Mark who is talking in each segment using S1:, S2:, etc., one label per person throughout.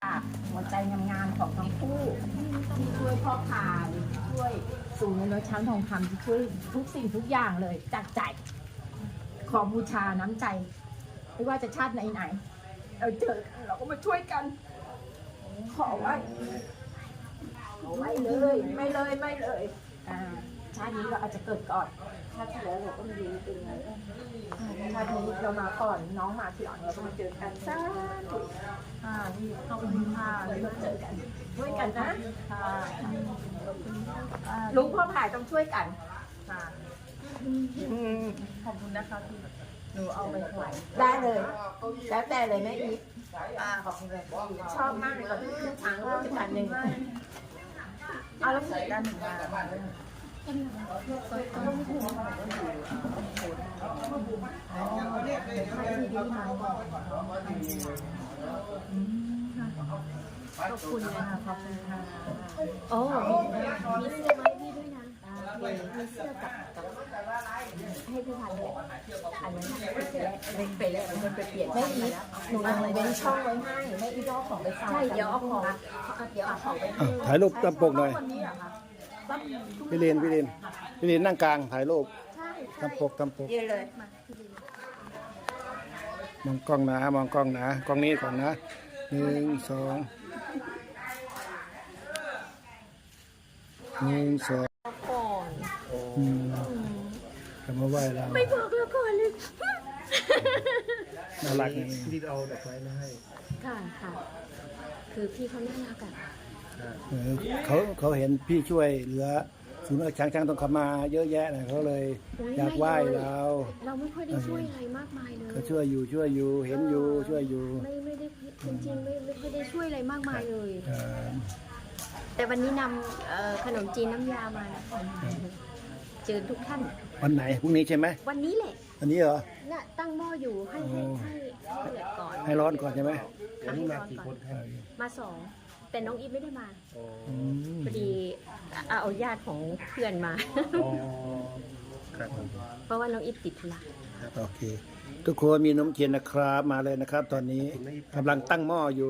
S1: หัวใจงามๆของทั้งคู่ที่ช่วยพ่อพายช่วยศูนย์น้อยช้างทองคำที่ช่วยทุกสิ่งทุกอย่างเลยจากใจขอบูชาน้ำใจไม่ว่าจะชาติไหนๆเราเจอกันเราก็มาช่วยกันขอไว้ไม่เลยชาตินี้เราอาจจะเกิดก่อนชาติที่แล้วเราก็ไม่รู้เป็นไงชาตินี้เรามาก่อนน้องมาทีหลังเราก็มาเจอกันซะนี่ขอบคุณค่ะเราเจอกันช่วยกันนะลุงพ่อผายต้องช่วยกันขอบคุณนะคะที่หนูเอาไปถวายได้เลยแล้วแต่เลยแม่อีฟขอบคุณเลยชอบมากเลยตอนที่ขึ้นช้างก็จะการหนึ่งเอาแล้วใส่ด้านหนึ่งมาขอบคุณนะคะขอบคุณค่ะโอ้มีเสื้อมาให้พี่ด้วยนะมีเสื้อกับให้พี่พันเลยอันนั้นไปแล้วมันไปเปลี่ยนไม่อีหนูยังเว้นช่องไว้ให้ไม่อีเอาของไปใส่เดี๋ยวเอาของไป
S2: ถ่ายรูปตามปกหน่อยพี่เลนนั่งกลางถ่ายรูปตามปก
S1: ยืนเลย
S2: มองกล้องนะกล้องนี้ก่อนนะ1 2ทำมาไหว้เรา
S1: ไม่บอกแล้วก่อนเลย
S2: น่ารักที่เอาดอกไม้มาให้
S1: ค่ะคือพี่เขาน่ารักอ่ะ
S2: เขาเห็นพี่ช่วยเหลือศูนย์ช้างต้องขับมาเยอะแยะนะเขาเลยอยากไหว้เรา
S1: ไม่ค่อยได้ช่วยอะไรมากมายเลย
S2: เขาช่วยอยู่เห็นอยู่ช่วยอยู่
S1: ไม่ได้จริงๆไม่ค่อยได้ช่วยอะไรมากมายเลยแต่วันนี้นำขนมจีนน้ำยามาเจอทุกท่าน
S2: วันไหนพรุ่งนี้ใช่ไหม
S1: วันนี้แหละ
S2: วันนี้เหรอ
S1: น่ะตั้งหม้ออยู่ให้เดือดก่อน
S2: ให้ร้อนก่อนใช่ไหม
S1: วันนี้มากี่คนมา2แต่น้องอีฟไม่ได้มาพอดีเอาญาติของเพื่อนมาเพราะว่าน้องอีฟติดธุระ
S2: โอเคทุกคนมีนมเทียนนะครับมาเลยนะครับตอนนี้กำลังตั้งหม้ออยู่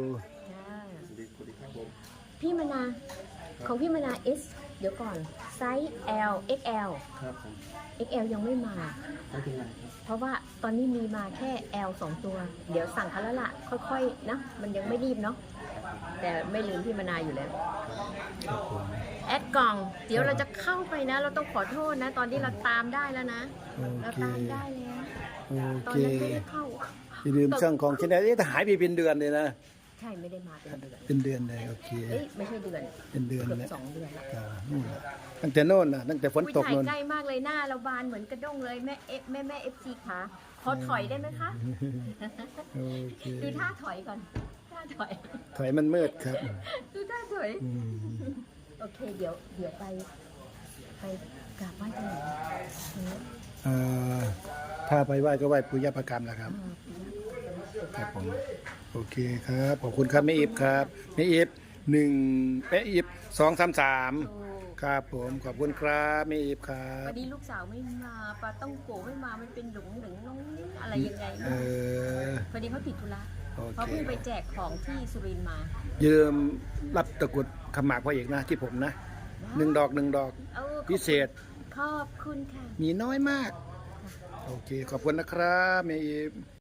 S1: พี่มนาของพี่มนา S เดี๋ยวก่อนไซส์ L XL
S3: ครับผม
S1: XL ยังไม่มาเพราะว่าตอนนี้มีมาแค่ L 2 ตัวเดี๋ยวสั่งเขาแล้วล่ะค่อยๆนะมันยังไม่รีบเนาะแต่ไม่ลืมพี่มนาอยู่แล้วแอดกล่องเดี๋ยวเราจะเข้าไปนะเราต้องขอโทษนะตอนนี้เราตามได้แล้วนะเราตามได้แล้วตอนนั้นไม่ได้เข้า
S2: อย่าลืมช่างของชแนลหายไปเป็นเดือนเลยนะ
S1: ใช่ไม่ได้มา
S2: เป็นเดือนเลยโอเค
S1: ไม่ใช่เดือน
S2: เป็นเดือนแล้ว
S1: 2 เดือน
S2: แล้วตั้งแต่โน่นนะตั้งแต่ฝนตกโน่น
S1: ใกล้มากเลยหน้าเราบานเหมือนกระด้งเลยแม่FCขาขอถอยได้ไหมคะดูท่าถอยก่อนท่า
S2: ถอยมันมืดครับ
S1: ดูท่าถอยโอเคเดี๋ยวไปกราบไหว้กันหน่อย
S2: ถ้าไปไหว้ก็ไหว้ปุญญประกรรมแหละครับครับผมโอเคครับขอบคุณครับแม่อิฟครับแม่อิฟ1แม่อิฟ2 3 3ครับผมขอบคุณครับแม่อิฟครับ
S1: วันนี้ลูกสาวไม่มาปาต้องโกไม่มามันเป็นหลงน้องอะไรยังไงพอดีเขาติดธุระเขาเพิ่งไปแจกของที่สุรินทร์มา
S2: ยืมรับตะกุดขมากพ่อเอกนะที่ผมนะ1 ดอกพิเศษ
S1: ขอบคุณค่ะ
S2: มีน้อยมากโอเคขอบคุณนะครับแม่อิฟ